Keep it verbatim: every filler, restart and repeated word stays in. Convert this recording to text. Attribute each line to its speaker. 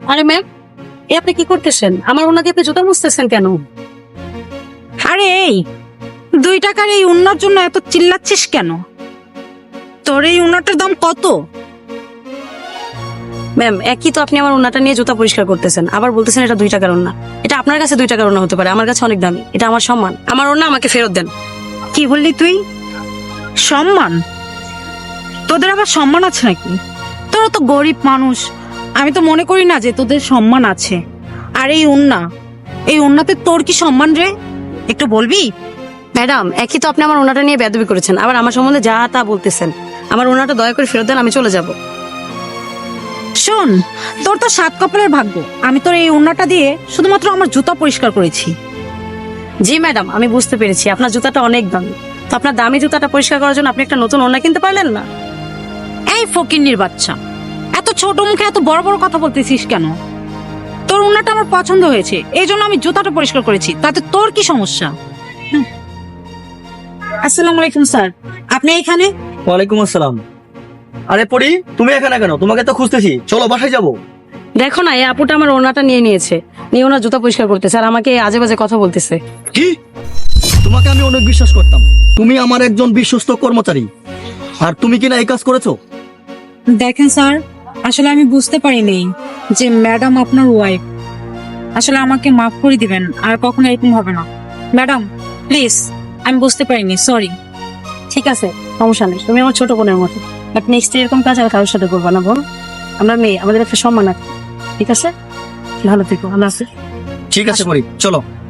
Speaker 1: আরে ম্যাম, এ আপনি কি করতেছেন? আমার ওনা দিয়ে আপনি জুতা মুছতেছেন কেন?
Speaker 2: আরে এই দুই টাকার এই উন্নার জন্য এত চিল্লাচ্ছিস কেন? তোর এই উন্নাটার দাম কত?
Speaker 1: ম্যাম, একই তো আপনি আমার ওনাটা নিয়ে জুতা পরিষ্কার করতেছেন, আবার বলতেছেন এটা দুই টাকার ওনা। এটা আপনার কাছে দুই টাকার ওনা হতে পারে, আমার কাছে অনেক দামি। এটা আমার সম্মান, আমার ওনা আমাকে ফেরত দেন।
Speaker 2: কি বললি তুই? সম্মান? তোদের আবার সম্মান আছে নাকি? তোরা তো গরিব মানুষ, আমি তো মনে করি না যে তোদের সম্মান আছে। আর এই উন্না, এই উন্নাতে তোর কি সম্মান রে? একটু বলবি?
Speaker 1: ম্যাডাম, একই তো আপনি আমার ওনাটা নিয়ে বেয়াদবি করেছেন, আবার আমার সম্বন্ধে যা তা বলতেছেন। আমার ওনাটা দয়া করে ফেরত দেন, আমি চলে যাব।
Speaker 2: শোন, তোর তো সাত কপালের ভাগ্য, আমি তোর এই উন্নাটা দিয়ে শুধুমাত্র আমার জুতা পরিষ্কার করেছি।
Speaker 1: জি ম্যাডাম, আমি বুঝতে পেরেছি আপনার জুতাটা অনেক দামি। তো আপনার দামি জুতাটা পরিষ্কার করার জন্য আপনি একটা নতুন ওনা কিনতে পারলেন না?
Speaker 2: এই ফকিন্নির বাচ্চা, এত ছোট মুখে এত বড় বড় কথা বলতেছিস কেন? তোর উন্নাটা আমার পছন্দ হয়েছে, এই জন্য আমি জুতাটা পরিষ্কার করেছি, তাতে তোর কি সমস্যা? হুম। আসসালামু আলাইকুম স্যার, আপনি এখানে?
Speaker 3: ওয়ালাইকুম আসসালাম। আরে পরি, তুমি এখানে কেন? তোমাকে তো খুঁজতেছি, চলো বাসায় যাবো।
Speaker 1: দেখো না, এই আপুটা আমার ওনাটা নিয়ে নিয়েছে, নিয়ে ওনার জুতা পরিষ্কার করতেছে, আর আমাকে আজে বাজে কথা বলতেছে।
Speaker 3: কি? তোমাকে আমি অনেক বিশ্বাস করতাম, তুমি আমার একজন বিশ্বস্ত কর্মচারী, আর তুমি কিনা এই কাজ করেছো?
Speaker 2: দেখেন স্যার, আসলে আমি বুঝতে পারিনি যে ম্যাডাম আপনার ওয়াইফ। আসলে আমাকে মাফ করে দিবেন, আর কখনো এরকম হবে না। ম্যাডাম প্লিজ, আমি বুঝতে পারিনি, সরি।
Speaker 1: ঠিক আছে, সমস্যা নেই, তুমি আমার ছোট বোনের মতো। বাট নেক্সট এরকম কাজ আর কারোর সাথে করবা না, বোন। আমরা মেয়ে, আমাদের একটা সম্মান আছে, ঠিক আছে? ভালো থেকো, আল্লাহ হাফেজ।
Speaker 3: ঠিক আছে পরি, চলো।